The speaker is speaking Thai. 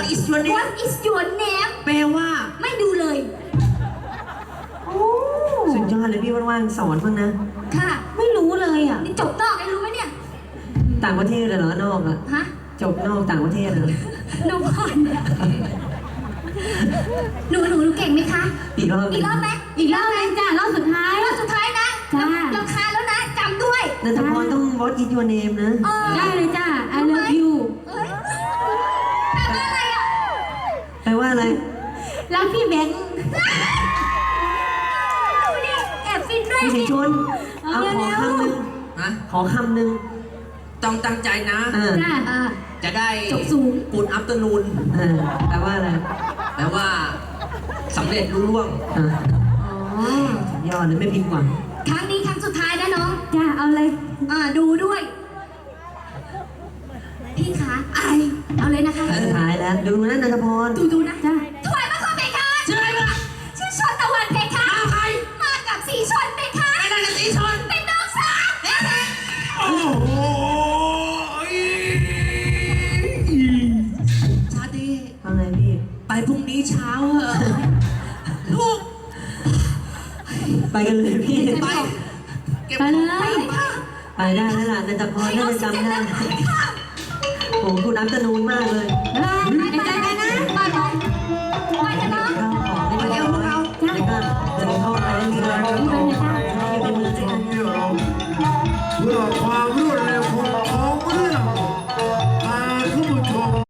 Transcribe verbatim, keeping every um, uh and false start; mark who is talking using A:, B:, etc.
A: is your name
B: What is your name
A: แปลว่า
B: ไม่ดูเลยโอ้
C: สุดยอดเลยพี่ว่างๆสอนบ้างนะ
B: ค่ะ
C: ไม่รู้เลยอ่ะ
B: นี่จบนอกไอ้รู้ไหมเนี่ย
C: ต่างประเทศเลยเหรอนอกอ่ะ
B: ฮะ
C: จบนอกต่างประเทศเหรอ
B: หนูก่อนหนูหนูหนูเก่งไหมคะ
C: อีกรอบ
B: อีกรอบไหมอีกรอบไหมจ้ารอบสุดท้ายรอบสุดท้ายนะ
D: จ้า
B: รำคาญแล้วนะจำด้วย
C: นันทพรต้อง What is your name นะ
B: เออ
D: ได้เลยจ้า I love you
B: เอ้ยแปลว่าอะไรอ่ะ
C: แปลว่าอะไร
D: รักพี่แบงค์
B: นี่แอบฟินด้วย
C: พี่สิชน
D: เอา
C: เอาขอ
D: เร็วๆ
C: คำหนึ่ง
A: ฮะ
C: ขอคำหนึ่ง
A: ต้องตั้งใจนะ
C: เออ
D: จ้า
B: อ่า
A: จะได้
B: จบสูง
A: กูดอัพเตอร์นูน
C: เออแปลว่าอะไร
A: แปลว่าสำเร็จรุ่ร่วง
C: เออ
B: อ๋อ
C: สุดยอดเลยไม่ผิดหวัง
B: ครั้งนี้ครั้งสุดท้ายนะน้อง
D: จ้า เอาเลย
B: อ่าดูด้วย พี่คะไอเอาเลยนะคะ
C: สุดท้ายแล้ว ดูนะนันทพร
B: ดูดูนะ
D: จ้า
B: ถวายบังคมเพคะ
A: ชื่ออะไรวะ
B: ชื่อชนตะวันเพคะ
A: มาใคร
B: มากับสีชนเพคะ
A: ไอ้นั่นน่ะสีชน
B: เป็นน้องสาว
A: โอ้โหชาดี
C: ว่าไงพี่
A: ไปพรุ่งนี้เช้าเหอะลูก
C: ไปกันเลยพี่
A: ไปเก็บ
D: ไปเลย
C: ไปได้แล้วล่ะนันทพรน่าจะจำได้
B: ค่ะ
C: โอ้โหคุณน้ำตะนูนมากเลย
D: ไป